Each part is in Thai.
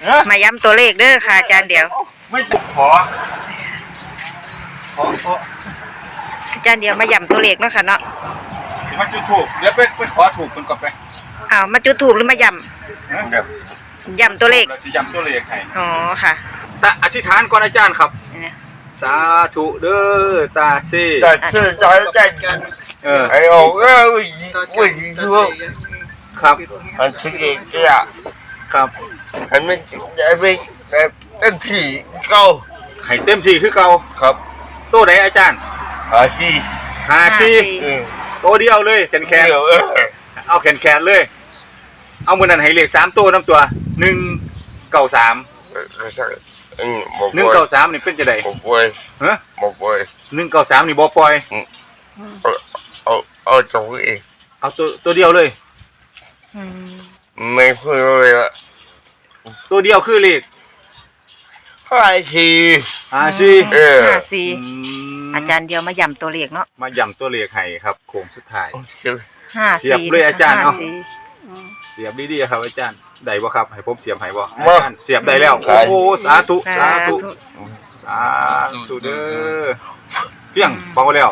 มาย้ำตัวเลขเด้อค่ะอาจารย์เดียวไม่ขออาจารย์เดียวมาย้ำตัวเลขเนาะค่ะเนาะมาจุดถูกเดี๋ยวไปขอถูกมันก่อนไปมาจุดถูกหรือมาย้ำตัวเลขเราจะย้ำตัวเลขให้อ๋อค่ะตาอธิษฐานก่อนอาจารย์ครับสาธุเด้อตาเซ่ใจกันไอ้โอ้วิ่งทั่วครับมันสิ่งเองอ่ะครับอันไม่ไม่เต็มที่เก่าให้เต็มที่คือเก่าครับตัวไหนอาจารย์54ตัวเดียวเลยแขนเอาแขนเลยเอามือนั่นให้เลข3ตัวน้ำตัว193 193นี่เป็นจะได้บ่ปล่อยฮะบ่ปล่อย 193นี่บ่ปล่อยเอาตัวเองเอาตัวเดียวเลยไม่พูดเลยละตัวเดียวคือเลข 54 อาจารย์เดียวมาย้ำตัวเลขเนาะมาย้ำตัวเลขให้ครับโค้งสุดท้าย 54 เสียบเลยอาจารย์เนาะเสียบดีๆครับอาจารย์ได้บ่ครับให้ผมเสียบให้บ่อาจารย์เสียบได้แล้วโอ้สาธุเด้อเพียงเป่าแล้ว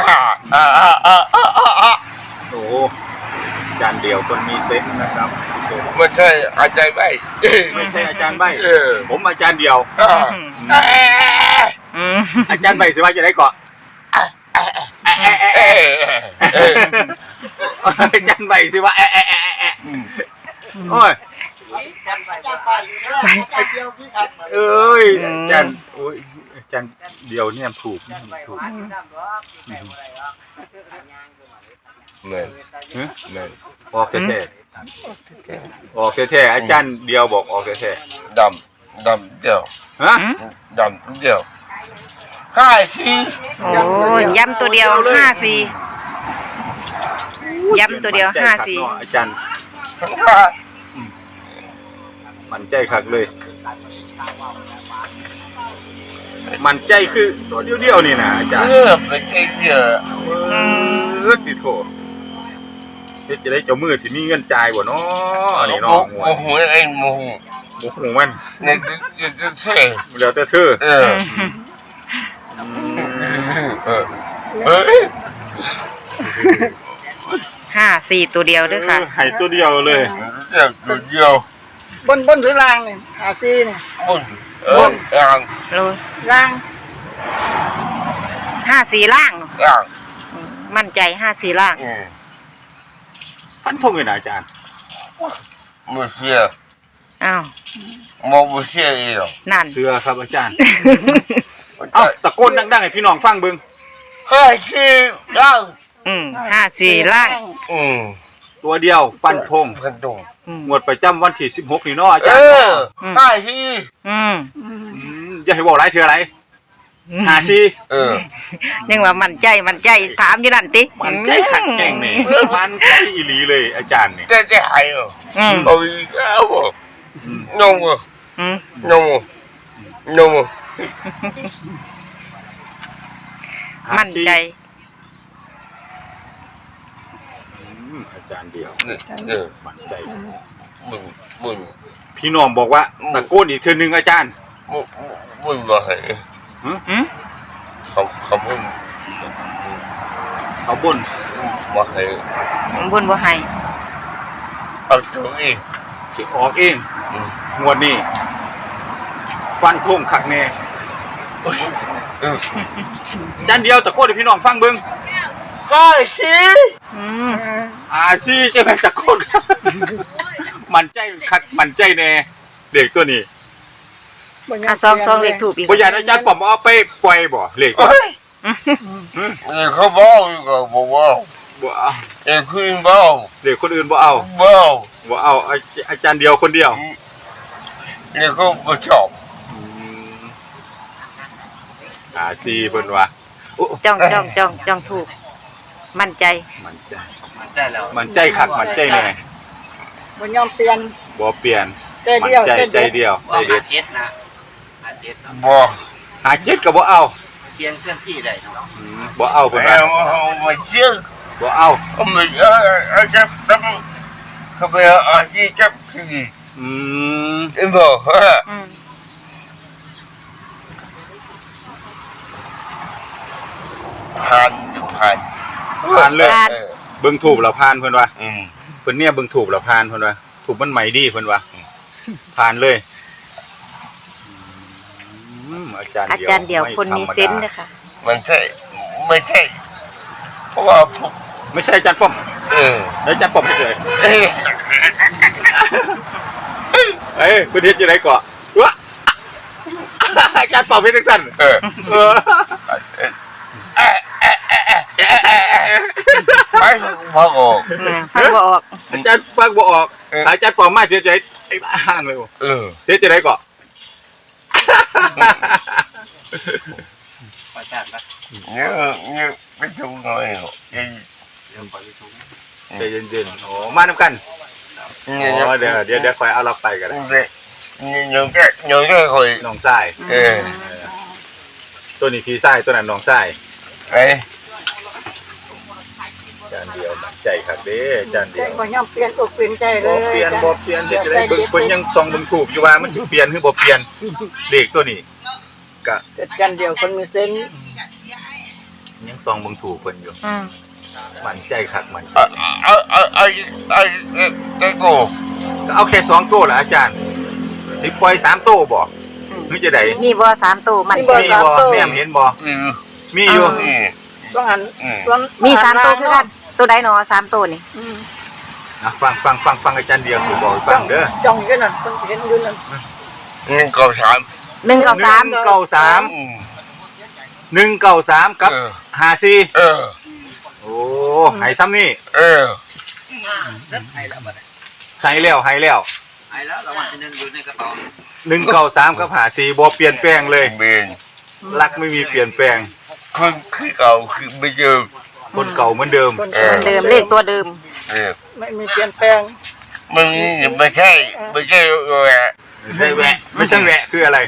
โอ้อาจารย์เดียวคนมีเซนส์นะครับไม่ใช่อาจารย์ใบไม่ใช่อาจารย์ใบผมอาจารย์เดียวอาจารย์ใบสิว่าจะได้เกาะอาจารย์ใบสิว่าโอ้ยเอ้ยอาจารย์โอ้ยอาจารย์เดียวเนี่ยถูกเงินออกแท้ออกแท้อาจารย์เดียวบอกออกแท้ดำเดียวฮะดำเดียว54 โอ้ย้ำตัวเดียว54ย้ำตัวเดียว54 อาจารย์มันใจคักเลยมันใจคือตัวเดียวนี่นะอาจารย์เป็นเองเยอะติโถเฮ็ดจะได้เจ้ามือสิมีเงินจ่ายบ่เนาะนี่เนาะโอ้โหไอ้โมโหมันเนี่ยจะเท่แล้วแต่เธอ 54ตัวเดียวด้วยค่ะให้ตัวเดียวเลยตัวเดียวบนหรือล่างนี่54นี่บนล่าง 54ล่างมั่นใจ54ล่างฟันธงเลยนะอาจารย์ไม่เชื่ออ้าวไม่เชื่ออีกนั่นเชื่อครับอาจารย์เอ้าตะโกนดังๆให้พี่น้องฟังเบิ่ง 54ล่าง 54ล่างตัวเดียวฟันธงงวดประจำวันที่16นี่เนาะอาจารย์อย่าให้บอกหลายเทื่ออะไรยังว่ามั่นใจถามอยู่นั่นติมันใจขัดแข้งนี่มันใจอีหลีเลยอาจารย์นี่จะหายเอาอีกแล้วนมมั่นใจอาจารย์เดียวมั่นใจมึงพี่น้องบอกว่าตะโกนอีกเทื่อนึงอาจารย์มึงบ่ให้เขาบ่นบ่ให้เอาตัวเองสิออกเองงวดนี้ฟันธงคักแน่อาจารย์เดียวตะโกนให้พี่น้องฟังเบิ่ง54จะไปตะโกนมันใจคักมันใจแน่เด็กตัวนี้ซองเลขถูกอีกบ่อยากอาจารย์ป๋อมเอาไปปล่อยบ่เลขเขาบอกก็บอกว่าคุยบอกเลขคนอื่นบ่เอาอาจารย์เดียวคนเดียวเนี่ยเขาบ่ชอบ 4เพิ่นว่าจ้องถูกมั่นใจแล้วมั่นใจคักมั่นใจแน่บ่ยอมเปลี่ยนมั่นใจเดียว 57นะบ่ 57ก็บ่เอาเสียงเสื่อมซี่ได้เนาะบ่เอาเพิ่นว่าบ่เชื่อบ่เอาไม่จับเขาไปที่จับที่อืมไอ้บอกฮะอืมผ่านผ่านผ่านเลยเออเบิ่งถูกแล้วผ่านเพิ่นว่าอืมเพิ่นเนี่ยเบิ่งถูกแล้วผ่านเพิ่นว่าถูกมันใหม่ดีเพิ่นว่าผ่านเลยอาจารย์อาจารย์เดียวคนมีเซนส์ไธรรดานะคะมันใช่ไม่ใช่เพราะว่าผมไม่ใช่อาจารย์ป้อมเออแล้วอาจารย์ป้อมเฮ็ดเลยเอ้ยเอ้ยเพิ่นเฮ็ดอยู่ไหนก่อวะอาจารย์ป้อมเฮ็ดจังซั่นเออเออไม่พอออกฟังบ่ออกอาจารย์ฟังบ่ออกอาจารย์ป้อมมาเสียใจไอ้บ้าห่างเลยบ่เออเสียใจไหนก่อประจานปะเนี่ยไม่ถูกหน่อยหรอกยังเรื่องปล่อยไปสูงใจเย็นๆโอ้มานำกันอ๋อเดี๋ยวคอยเอาเราไปก็ได้ nhớ cái hồi น้องชาย ตัวนี้พี่ชายตัวนั้นน้องชาย đấy จานเดียวมั่นใจครับเด้จานเดีใจยวบ่ยอมเปลี่ยนอกเปลี่ยนใจเลบ่ยเปลี่ยนบ่เปลี่ยนเฮ็ดจะได้เพิ่นยังส่องเบิ่งถูกอยู่ว่ามันสิเปลี่ยนหรือบ่เปลี่ยนเลขตัวนี้ก็อาจารย์เดียวคนมีเซนส์ยังส่องเบิ่งถูกเพิ่นอยู่อืมมั่นใจคักมั่นใจ cái cổ ก็เอาแค่2ตัวล่ะอาจารย์สิปล่อย3ตัวบ่หรือจะได้นี่บ่3ตัวมันมีบ่แนมเห็นบ่ ừ มีอยู่ ừ ต้องหัน ừ มี3ตัวคือกันตัวใดเนาะ3ตัวนี่อ่ะฟังอาจารย์เดียวสิบอกให้ฟังเด้อจ้องอยู่นั่นต้องเห็นอยู่นั่น nhưng cầu sám 1กับ3 193 ừ 193กับ ừ 54 ừ โอ้ให้ซ้ำนี่ ừ เซ็ตให้แล้วบัดนี้ให้แล้วให้แล้วรางวัลที่หนึ่งอยู่ในกระเป๋า 193กับ54บ่เปลี่ยนแปลงเลย miền รักไม่มีเปลี่ยนแปลง không khi cầu khi bây giờ คนเก่าเหมือนเดิมคนเออเหมือนเดิมเลขตัวเดิม ừ ไม่มีเปลี่ยนแปลง mìnhไม่ใช่rồi à ไม่ใช่แวะไม่ใช่แวะคืออะไร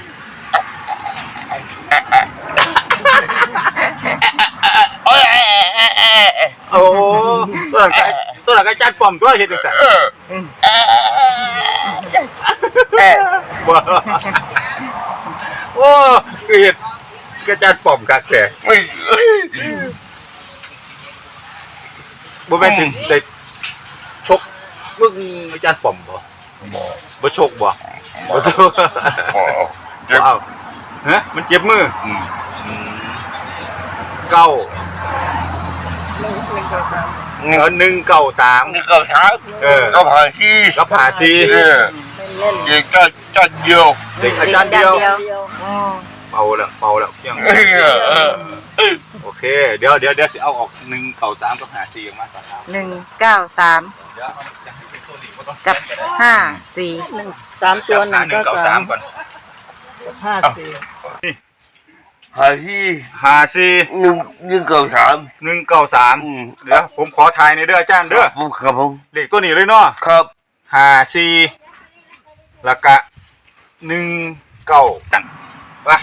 ôi โอ้ตัวหลักอาจารย์ป้อมตัวเฮ็ดจังซั่น บ่โอ้คือเฮ็ดอาจารย์ป้อมคักแท้ mình บ่แม่นสิได้ชกมึงอาจารย์ป้อมบ่บ่ชกบ่บ่ชก bỏ บ่เอาฮะมันเจ็บมือ ừ เก้าหนึ่งเก้าสาม 193 nhưng cầu sám เออ có phải chi กับ54 ừ เน้น thì cho nhiều เด็กอาจารย์เดียวๆเดียวอืมเป่าแล้วเพียง โอเค เดี๋ยวสิเอาออก193กับ54ออกมาก่อนครับ 193 เดี๋ยวจะให้เป็นโซนิกบ่ต้องกับ54 หนึ่งสามตัวหนึ่งก็สาม 193ก่อนห้าสี่ phải chi 54 nhưng cầu sám 193 ừ เดี๋ยวผมขอทายในอยเด้ออาจารย์เด้อ không เลขตัวนี้เลยเนาะครับ 54แล้วก็19จังว่า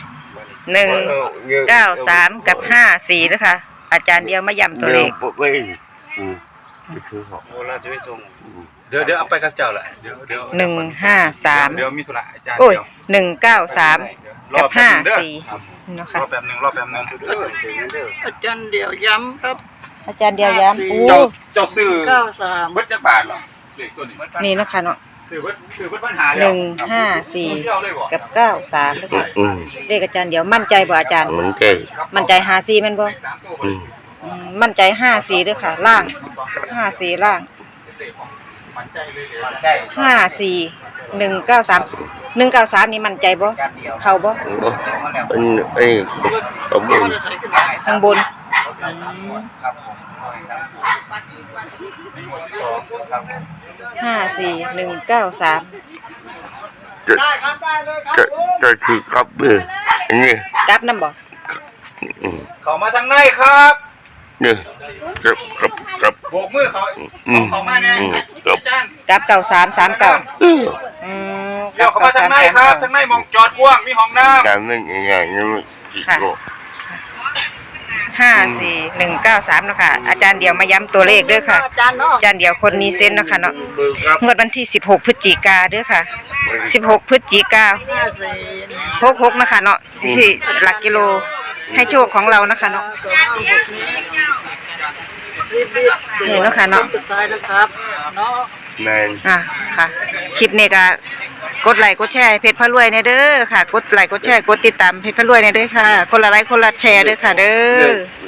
193 กับ54นะคะอาจารย์เดียวมาย้ำตัวเลขไปอืมไปซื้อของโอ้เราจะไปส่งเดี๋ยวเอาไปกับเจ้าแหละเดี๋ยว 153 เดี๋ยวมีธุระอาจารย์โอ้ยเดี๋ยว 193 กับ 54นะคะรอแป๊บนึงอาจารย์เดียวย้ำครับอาจารย์เดียวย้ำโอ้เจ้าซื้อเก้าสามเบิดจักบาทเหรอเลขตัวนี้นี่นะคะเนาะซื้อเบิดปัญหาแล้ว 154 กับ 93นะคะอืมเลขอาจารย์เดียวมั่นใจบ่อาจารย์มันใจมั่นใจ54แม่นบ่อืมมั่นใจ54ด้วยค่ะ ล่าง54ล่างมันใจเลยเลยมันใจ 54 193 193นี่มั่นใจบ่การเดียวเข้าบ่ไอ้ขบวนข้างบนครับผมครับผม 54193 จะคือครับอันนี้กลับนำบ่อืมเข้ามาทางในครับเนี่ยครับโบกมือเขาเข้ามาแน่อาจารย์กลับ9339 อืมอืมเดี๋ยวเข้ามาทางในครับทางในมองจอดกว้างมีห้องน้ำการนั่นอย่างนี้มันจิโก้ 545193เนาะค่ะอาจารย์เดียวมาย้ำตัวเลขเด้อค่ะอาจารย์เนาะอาจารย์เดียวคนมีเส้นเนาะค่ะเนาะงวดวันที่16พฤศจิกาเด้อค่ะ16พฤศจิกา66นะคะเนาะที่หลักกิโลให้โชคของเรานะคะเนาะนี่เนาะค่ะเนาะสุดท้ายนะครับเนาะแม่นค่ะคลิปนี้ก็กดไลค์กดแชร์ให้เพจพระรวยในเด้อค่ะกดไลค์กดแชร์กดติดตามเพจพระรวยในเด้อค่ะคนละไลค์คนละแชร์เด้อค่ะเด้อ